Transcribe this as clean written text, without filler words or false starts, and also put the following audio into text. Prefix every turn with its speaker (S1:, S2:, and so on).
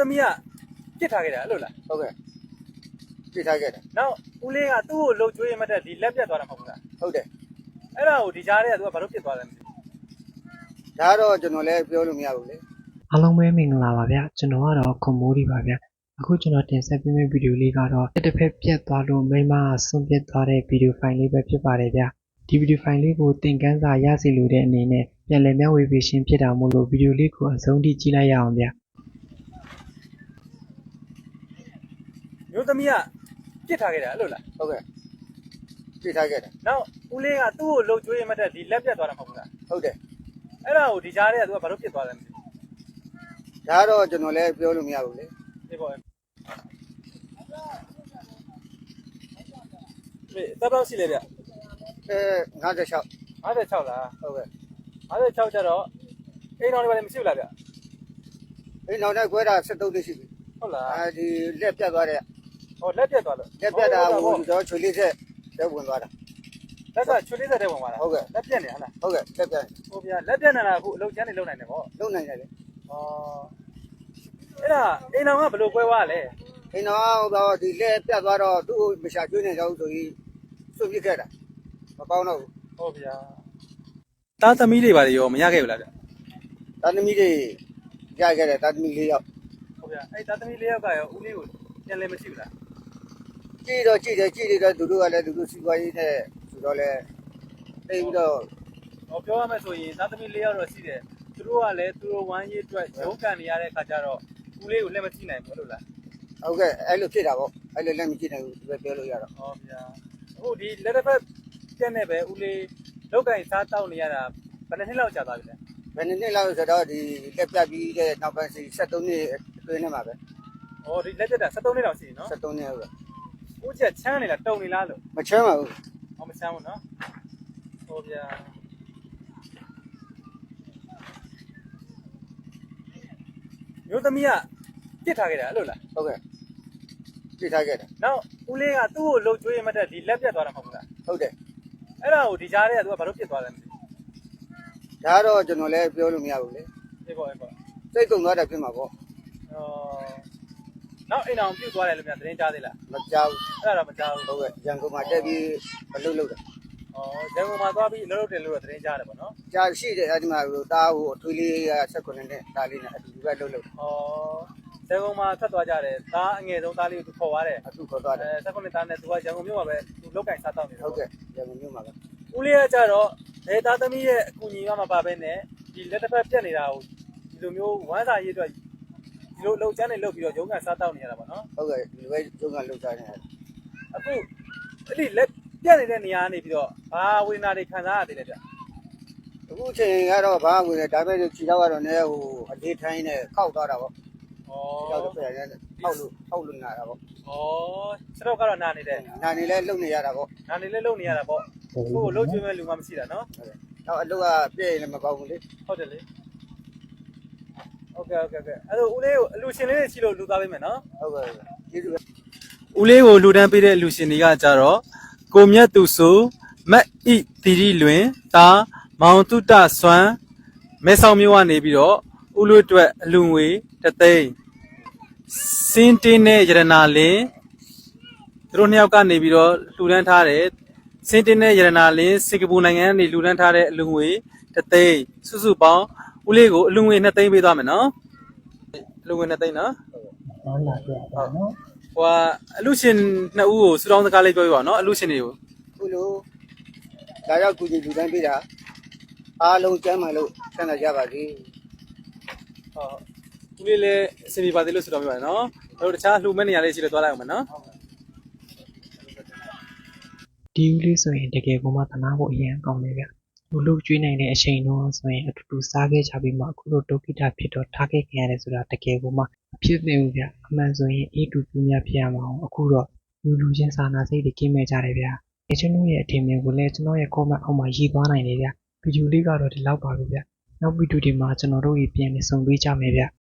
S1: သမီးကပြစ်ထားခဲ့တာအဲ့လိုလား
S2: ဟုတ်ကဲ့ပြစ်ထားခဲ့တယ်
S1: နောက်ဦးလေးကသူ့ကိုလှုပ်ကြွေးမှတ်တဲ့ဒီလက်ပြတ်သွားတာမဟုတ်ဘူးလား
S2: ဟုတ်တယ်
S1: အဲ့ဒါကိုဒီကြားထဲကသူကဘာလို့ပြစ်သွားလဲမသိဘူး
S2: ဒါတော့ကျွန်တော်လည်းပြောလို့မရဘူးလေ
S3: အားလုံးပဲမင်္ဂလာပါဗျကျွန်တော်ကတော့ခွန်မိုးဒီပါဗျအခုကျွန်တော်တင်ဆက်ပေးမယ့်ဗီဒီယိုလေးကတော့တစ်ဖက်ပြတ်သွားလို့မိမဆွန့်ပစ်သွားတဲ့ဗီဒီယိုဖိုင်လေးပဲဖြစ်ပါတယ်ဗျဒီဗီဒီယိုဖိုင်လေးကိုသင်ခန်းစာရစီလိုတဲ့အနေနဲ့ပြန်လည်မျှဝေပေးခြင်းဖြစ်တာမို့လို့ဗီဒီယိုလေးကိုအဆုံးထိကြည့်လိုက်ရအောင်ဗျ
S1: မျိုးသမီးကပြစ်ထားခဲ့တာအဲ့လိုလား
S2: ဟုတ်ကဲ့ပြစ်ထားခဲ့တယ်
S1: နောက်ဦးလေးကသူ့ကိုလှုပ်ကြွေးမှတ်တဲ့ဒီလက်ပြတ်သွားတာမဟုတ်ဘူးလား
S2: ဟုတ်တယ်
S1: အဲ့ဒါကိုဒီကြားထဲကသူကဘာလို့ပြစ်သွားလဲမသိဘူး
S2: ဒါတော့ကျွန်တော်လည်းပြောလို့မရဘူးလေ
S1: ဒီပေါ့တပ်တော့ရှိလေဗျ
S2: 56
S1: 56လား
S2: ဟုတ်ကဲ့
S1: 56ကျတော့အိမ်တော်တွေဘာလဲမရှိဘူးလားဗျ
S2: ဒီနောက်နဲ့ခွဲတာ73တိရှိပြီ
S1: ဟုတ်လား
S2: အဲဒီလက်ပြတ်သွားတဲ့
S1: ဟောလက်ပြတ်သွားလို့
S2: လက်ပြတ်တာဟိုတော့ချွေလေးဆက်လက်ဝင်သွားတာ
S1: လက်ကချွေလေးဆက်တဲ့ဝင်သွားတာ
S2: ဟုတ်ကဲ့
S1: လက်ပြတ်နေဟလား
S2: ဟုတ်ကဲ့လက်ပြတ်
S1: ဟိုဗျာလက်ပြတ်နေတာအခုအလုပ်ချမ်းနေလုပ်နိုင်တယ်ဗော
S2: လုံနိုင်တယ်လေ
S1: ဩအဲ့ဒါအိမ်တော်ကဘယ်လိုကွဲသွားလဲ
S2: ဒီနောက်တော့ဒီလက်ပြတ်သွားတော့သူ့ကိုမရှာကျွေးနေကြဘူးဆိုပြီးစွန့်ပစ်ခဲ့တာမကောင်းတော့ဘူး
S1: ဟုတ်ဗျာတားသမီးတွေဘာတွေရောမရခဲ့ဘူးလားဗျ
S2: တာသမီတွေရခဲ့တယ်တာသမီ4ယောက်
S1: ဟုတ်ဗျာအဲ့တားသမီး၄ယောက်ကရောဦးလေးကိုပြန်လဲမရှိဘူးလား
S2: ကြည့်တော့ကြည့်တယ်ကြည့်နေတော့သူတို့ကလည်းသူတို့စီပွားရေးနဲ့ဆိုတော့လည်းတိတ်ပြီးတော့
S1: ဟောပြောရမယ်ဆိုရင်တားသမီး၄ယောက်တော့ရှိတယ်သူတို့ကလည်းသူတို့ဝမ်းရေးအတွက်ရုန်းကန်နေရတဲ့အခါကျတော့ဦးလေးကိုလက်မကြည့်နိုင်ဘူးလို့လား
S2: ဟုတ်ကဲ့အဲ့လိုဖြစ်တာပေါ့အဲ့လိုလည်းမကြည့်နိုင်ဘူးသူပဲပြောလို့ရတော့
S1: ဟောဗျာအခုဒီလက်တစ်ဖက်ပြက်နေပဲဦးလေးလောက်ကင်စားတောက်နေရတာဘယ်နှစ်နှစ်လောက်ကြာသွားပြီလဲ
S2: ဘယ်နှစ်လောက်ဆိုတော့ဒီလက်ပြပြီးတဲ့နောက်ပိုင်း73နှစ်အတွင်းထဲမှာပဲ
S1: ဟောဒီလက်ပြက်တာ73နှစ်လောက်ရှိပြီနော်
S2: 73နှစ်ဟုတ်ကဲ့
S1: ဦးချက်ချမ်းနေလားတုံနေလားလို့
S2: မချမ်းပါဘူး
S1: ဟောမချမ်းဘူးနော်ဟောဗျာမျိုးသမီးကပြစ်ထားခဲ့တာအဲ့လိုလား
S2: ဟုတ်ကဲ့ပြစ်ထားခဲ့တယ်
S1: နောက်ဦးလေးကသူ့ကိုလှုပ်ကြွေးမှတ်တဲ့ဒီလက်ပြတ်သွားတာမဟုတ်ဘူးလား
S2: ဟုတ်တယ်
S1: အဲ့ဒါကိုဒီကြားထဲကသူကဘာလို့ပြစ်သွားလဲမသိဘူး
S2: ဒါတော့ကျွန်တော်လည်းပြောလို့မရဘူးလေ
S1: ဒီပေါ့ဒီပေါ့
S2: စိတ်ကုန်သွားတာဖြစ်မှာပေါ့
S1: နောက်အိမ်အောင်ပြုတ်သွားတယ်လို့များသတင်းကြားသေးလား
S2: မကြောက်
S1: အဲ့ဒါတော့မကြားဘူး
S2: ဟုတ်ကဲ့ရန်ကုန်မှာတက်ပြီးမလုပ်လို့တယ်
S1: ဩရန်ကုန်မှာသွားပြီးလှုပ်လှုပ်တယ်လို့တော့သတင်းကြားတယ်ပေါ့နော်
S2: ကြာရှိတယ်အဲ့ဒီမှာဟိုတားဟိုအထွေးလေးက18နဲ့တားလေးနဲ့အတူတူပဲလုပ်လို့
S1: ဩရန်ကုန်မှာထွက်သွားကြတယ်သားအငယ်ဆုံးသားလေးကိုသူခေါ်သွားတယ်
S2: အတူခေါ်သွားတယ်
S1: 18သားနဲ့သူကရန်ကုန်မြို့မှာပဲသူလောက်ကင်စားတောက်နေတယ်
S2: ဟုတ်ကဲ့ရန်ကုန်မြို့မှာပဲ
S1: ဦးလေးကကြတော့ဒေတာသမီးရဲ့အကူအညီကမပါဘဲနဲ့ဒီလက်တစ်ဖက်ပြက်နေတာကိုဒီလိုမျိုးဝမ်းစာရေးအတွက်ဒီလိုလှုပ်ချမ်းနေလှုပ်ပြီးတော့ရုံးကန်စားတောက်နေရတာပေါ့နော်
S2: ဟုတ်ကဲ့ဒီလိုပဲကျုံးကလှုပ်ထားနေတယ်
S1: အခုအဲ့ဒီလက်ပြက်နေတဲ့နေရာကနေပြီးတော့ဘာဝေဒနာတွေခံစားရသေးလဲဗျ
S2: အခုချိန်ကတော့ဘာဝင်လဲဒါပေမဲ့ခြေတော့ကတော့လည်းဟိုအလေးထိုင်းနဲ့ခောက်သွားတာပေါ့
S1: ဩ
S2: ခြေတော့ပြန်နေခောက်လို့နာတာပေါ့
S1: ဩစတော့ကတော့နာနေတယ်
S2: နာနေလဲလှုပ်နေရတာပေါ့
S1: နာနေလဲလုံနေရတာပေါ့ကိုယ်လှုပ်ကျွေးမဲ့လူမှမရှိတာနော်
S2: တော့အလုပ်ကပြည့်ရင်လည်းမပေါဘူးလေ
S1: ဟုတ်တယ်လေโอเคအဲ့တော့ဦးလေးကိုအလူရှင်လေးတွေရှိလို့လူသားပေးမယ်နော်
S2: ဟုတ်ကဲ့ကျေးဇူးပဲ
S1: ဦးလေးကိုလူတန်းပေးတဲ့အလူရှင်တွေကကြတော့ကိုမြတ်သူဆိုမတ်ဣတိရီလွင်တာမောင်တုတဆွမ်းမဲဆောက်မြို့ကနေပြီးတော့ဦးလွတ်အတွက်အလူငွေတသိန်းစင်းတင်းနဲ့ရတနာလင်းသူတို့နှစ်ယောက်ကနေပြီးတော့လှူဒန်းထားတယ်စင်းတင်းနဲ့ရတနာလင်းစင်ကာပူနိုင်ငံကနေလှူဒန်းထားတဲ့အလူငွေတသိန်းစုစုပေါင်းဦးလေးကိုအလူငွေ2သိန်းပေးသွားမယ်နော်အလူငွေ2သိန်းနော်
S3: ဟုတ်လားပြပါနော်
S1: ဟိုအလူရှင်2ဦးကိုစူတောင်းစကားလေးပြောပြပါနော်အလူရှင်တွေကို
S2: ခုလိုဒါရောက်ကူညီလူတိုင်းပေးတာအားလုံးကျမ်းမှလို့ဆန္ဒကြပါစေ
S1: ဦးလေးလည်းအစီအပြေပါသေးလို့စူတောင်းပြပါနော်တို့တခြားလှူမဲ့နေရာလေးရှိလို့သွားလိုက်အောင်မယ်နော်
S3: ဒီဦးလေးဆိုရင်တကယ်ကိုမှသနာဖို့အရင်ကောင်းတယ်ဗျလူလူကျွေးနိုင်တဲ့အချိန်တော့ဆိုရင်အတူတူစားခဲ့ကြပြီးမှအခုလိုဒုက္ခိတဖြစ်တော့ထားခဲ့ခင်ရတယ်ဆိုတာတကယ်ကိုမှအဖြစ်သိဘူးဗျအမှန်ဆိုရင်အေးတူပြင်းများဖြစ်ရမှာအောင်အခုတော့လူချင်းစာနာစိတ်တွေကင်းမဲ့ကြတယ်ဗျကျွန်တော်ရဲ့အထင်မြင်ကိုလည်းကျွန်တော်ရဲ့ comment အောက်မှာရေးသွားနိုင်တယ်ဗျဗီဒီယိုလေးကတော့ဒီလောက်ပါပဲဗျနောက်ဗီဒီယိုဒီမှာကျွန်တော်တို့ပြန်နေဆုံပေးကြမယ်ဗျ